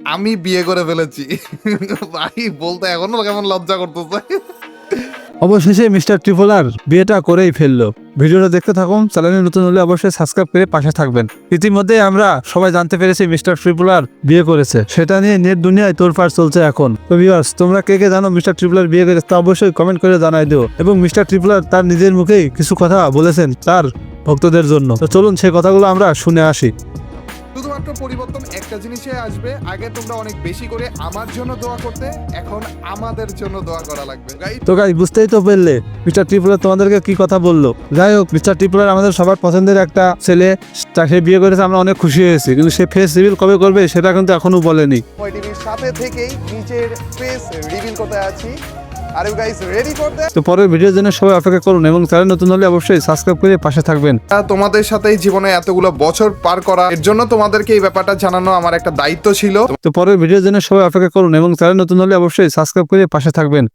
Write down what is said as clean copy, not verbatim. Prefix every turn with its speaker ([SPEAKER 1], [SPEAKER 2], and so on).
[SPEAKER 1] আমি বিয়ে করে ফেলেছি। ভাই বলতে এখনো কেমন লজ্জা করতেছে।
[SPEAKER 2] অবশেষে মিস্টার ট্রিপলার বিয়েটা করেই ফেললো। ভিডিওটা দেখতে থাকুন, চ্যানেলে নতুন হলে অবশ্যই সাবস্ক্রাইব করে পাশে থাকবেন। ইতিমধ্যে আমরা সবাই জানতে পেরেছি মিস্টার ট্রিপলার বিয়ে করেছে, সেটা নিয়ে নেট দুনিয়ায় তোড়ফাড় চলছে এখন। তো ভিউয়ার্স, তোমরা কে কে জানো মিস্টার ট্রিপলার বিয়ে করেছে তা অবশ্যই কমেন্ট করে জানাই দিও। এবং মিস্টার ট্রিপলার তার নিজের মুখেই কিছু কথা বলেছেন তার ভক্তদের জন্য। তো চলুন সেই কথাগুলো আমরা শুনে আসি।
[SPEAKER 1] শুধুমাত্র পরিবর্তন একটা জিনিসে আসবে, আগে তোমরা অনেক বেশি করে আমার জন্য দোয়া করতে, এখন আমাদের জন্য দোয়া করা লাগবে। গাইস
[SPEAKER 2] তো গাইস, বুঝতেই তো পারলে মিস্টার ট্রিপলার তোমাদেরকে কি কথা বললো। যাই হোক, মিস্টার ট্রিপলার আমাদের সবার পছন্দের একটা ছেলে, তাকে বিয়ে করেছে, আমরা অনেক খুশি হয়েছি। কিন্তু সে ফেস রিভিল কবে করবে সেটা কিন্তু এখনো বলেনি।
[SPEAKER 3] টিভির সাথে থেকেই নিজের ফেস রিভিল করতে আছি। Are you guys ready for that?
[SPEAKER 2] তো পরের ভিডিওর জন্য সবাই অপেক্ষা করুন এবং চ্যানেল নতুন হলে অবশ্যই সাবস্ক্রাইব করে পাশে থাকবেন।
[SPEAKER 1] তোমাদের সাথেই জীবনে এতগুলো বছর পার করা, এর জন্য তোমাদেরকে এই ব্যাপারটা জানানো আমার একটা দায়িত্ব ছিল।
[SPEAKER 2] তো পরের ভিডিওর জন্য সবাই অপেক্ষা করুন এবং চ্যানেল নতুন হলে অবশ্যই সাবস্ক্রাইব করে পাশে থাকবেন।